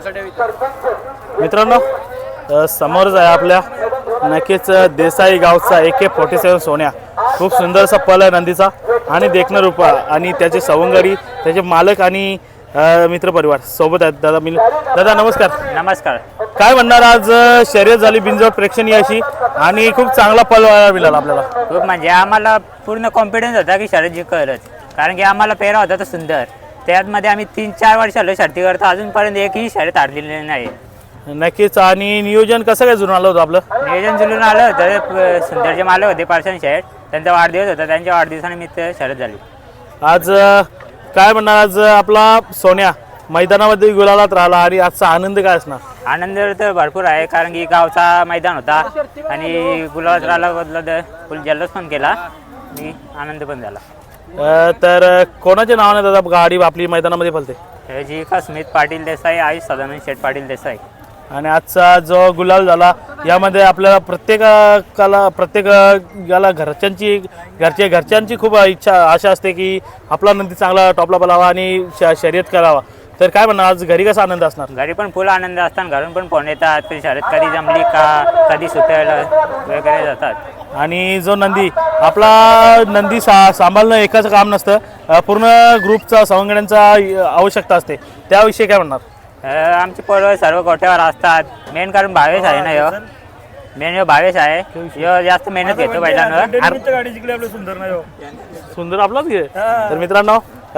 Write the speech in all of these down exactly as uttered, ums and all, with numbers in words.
मित्रांनो समोरच आहे आपल्या नक्कीच देसाई गावचा ए के फोर्टी सेवन सोन्या खूप सुंदरसा पल आहे नंदीचा आणि देखणं रूप आणि त्याचे सवंगडी त्याचे मालक आणि मित्रपरिवार सोबत आहेत. दादा मी दादा नमस्कार. नमस्कार. काय म्हणणार आज शर्यत झाली बिनजोड प्रेक्षणीय अशी आणि खूप चांगला पल मिळाला आपल्याला. खूप म्हणजे आम्हाला पूर्ण कॉन्फिडन्स होता की शर्यत जिंकलच, कारण की आम्हाला पेरा होता तो सुंदर. त्यामध्ये आम्ही तीन चार वर्ष आलो शर्ती करतो, अजूनपर्यंत एकही शर्यत हारलेली नाही. नक्कीच. आणि नियोजन कसं काय जुळून आलं होतं आपलं? नियोजन जुळून आलं होतं. सुंदरचे मालक होते पार्सन शेठ, त्यांचा वाढदिवस होता, त्यांच्या वाढदिवसानिमित्त शर्यत झाली. आज काय म्हणणार आज आपला सोन्या मैदानामध्ये गुलालात राहिला आणि आजचा आनंद काय असणार? आनंद तर भरपूर आहे, कारण की गावचा मैदान होता आणि गुलालात राहिला बदला फुल जल्लोष पण केला आणि आनंद पण झाला. तर कोणाच्या नावाने दादा गाडी आपली मैदानामध्ये फलते? जी का स्मित पाटील देसाई, आयुष सदानंद शेठ पाटील देसाई. आणि आजचा जो गुलाल झाला यामध्ये आपल्याला प्रत्येकाला प्रत्येक याला घरच्यांची घरच्या घरच्यांची खूप इच्छा आशा असते की आपला नंदी चांगला टॉपला पलावा आणि शर्यत करावा. तर काय म्हणणार आज घरी कसा आनंद असणार? घरी पण फुल आनंद असतात, घरून पण फोन येतात की शर्यत कधी जमली का, कधी सुटायला वगैरे जातात. आणि जो नंदी आपला नंदी सा सांभाळणं एकाचं काम नसतं, पूर्ण ग्रुपचा सवंगड्यांचा आवश्यकता असते. त्याविषयी काय म्हणणार? आमची पोरं सर्व गोट्यावर असतात. मेन कारण भावेश आहे ना, यो मेन यो भावेश आहे, यो जास्त मेहनत घेतो पहिल्यांदा. गाडी जिंकली आपलं सुंदर ना, सुंदर आपलाच घे. तर मित्रांनो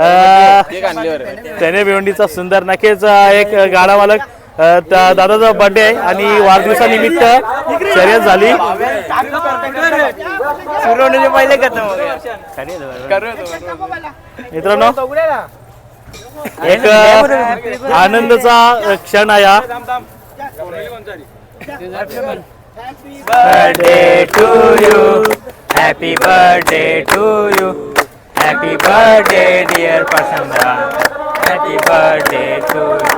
त्याने भिवंडीचा सुंदर नक्कीच एक गाडा मालक दादाचा बर्थडे आहे आणि वाढदिवसानिमित्त शर्यत झाली. मित्रांनो एक आनंदाचा क्षण आहे हा. Birthday to you, happy birthday to you, happy birthday dear Prasanna, happy birthday to you.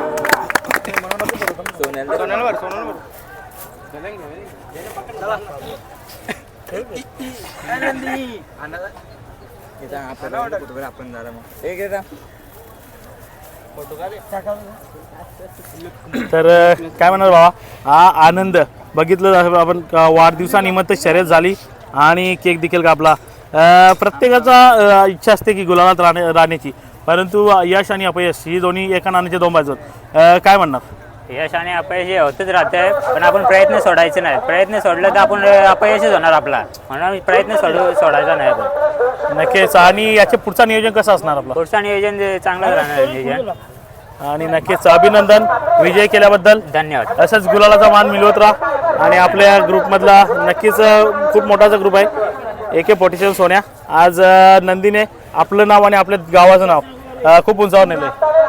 तर काय म्हणणार बाबा, हा आनंद बघितलं आपण. वाढदिवसानिमित्त शर्यत झाली आणि केक देखील कापला. प्रत्येकाचा इच्छा असते की गुलालात राहण्या राहण्याची, परंतु यश आणि अपयश ही दोन्ही एका नाण्याचे दोन बाजू. काय म्हणणार? यश आणि अपयश हे होतच राहते, पण आपण प्रयत्न सोडायचे नाही. प्रयत्न सोडलं तर आपण अपयशच होणार आपला, म्हणून प्रयत्न सोडू सोडायचा नाही आपण. नक्कीच. आणि याचे पुढचं नियोजन कसं असणार आपलं? पुढचं नियोजन चांगलं राहणार नियोजन. आणि नक्कीच अभिनंदन विजय केल्याबद्दल. धन्यवाद. असंच गुलालाचा मान मिळवत राहा. आणि आपल्या ग्रुपमधला नक्कीच खूप मोठाचा ग्रुप आहे ए के फोर्टी सेवन सोन्या. आज नंदीने आपलं नाव आणि आपल्या गावाचं नाव खूप उंचावर नेलं.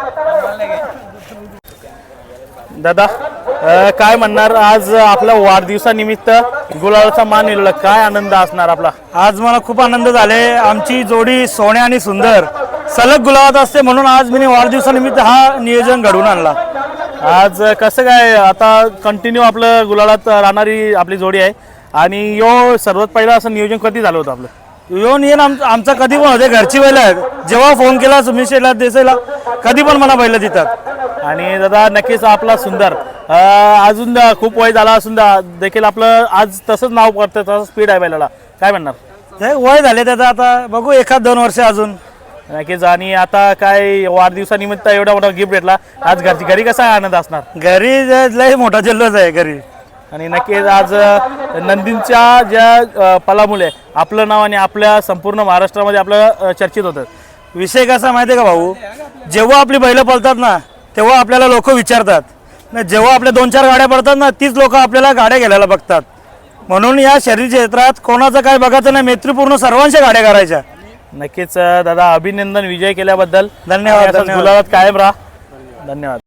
दादा काय म्हणणार आज आपल्या वाढदिवसानिमित्त गुलालाचा मान मिळवला, काय आनंद असणार आपला? आज मला खूप आनंद झाले. आमची जोडी सोन्या आणि सुंदर सलग गुलाबात असते, म्हणून आज मी वाढदिवसानिमित्त हा नियोजन घडवून आणला. आज कसं काय आता कंटिन्यू आपलं गुलालात राहणारी आपली जोडी आहे आणि यो सर्वात पहिला असं नियोजन कधी झालं होतं आपलं? यो नियन आम आमचा कधी पण होते, घरची बैल आहेत. जेव्हा फोन केला सुमित शेठला देसाईला कधी पण मला बैल देतात. आणि दादा नक्कीच आपला सुंदर अजून खूप वय झाला असून देखील आपलं आज तसंच नाव करतं, तसं स्पीड आहे बैलाला. काय म्हणणार? ते वय झाले त्याचं, आता बघू एखाद दोन वर्ष अजून. नक्कीच. आणि आता काय वाढदिवसानिमित्त एवढा मोठा गिफ्ट भेटला, आज घरची घरी कसा आनंद असणार? घरी लय मोठा जल्लोष आहे घरी. आणि नक्कीच आज नंदींच्या ज्या पलामुळे आपलं नाव आणि आपल्या संपूर्ण महाराष्ट्रामध्ये आपलं चर्चित होतं. विषय कसा माहिती आहे का भाऊ, जेव्हा आपली बैलं पळतात ना तेव्हा आपल्याला लोक विचारतात, जेव्हा आपल्या दोन चार गाड्या पडतात ना तीच लोक आपल्याला गाड्या घ्यायला बघतात. म्हणून या शर्यत क्षेत्रात कोणाचं काय बघायचं नाही, मैत्रीपूर्ण सर्वांच्या गाड्या करायच्या. नक्कीच दादा अभिनंदन विजय केल्याबद्दल. धन्यवाद. गुलाबात कायम राहा. धन्यवाद.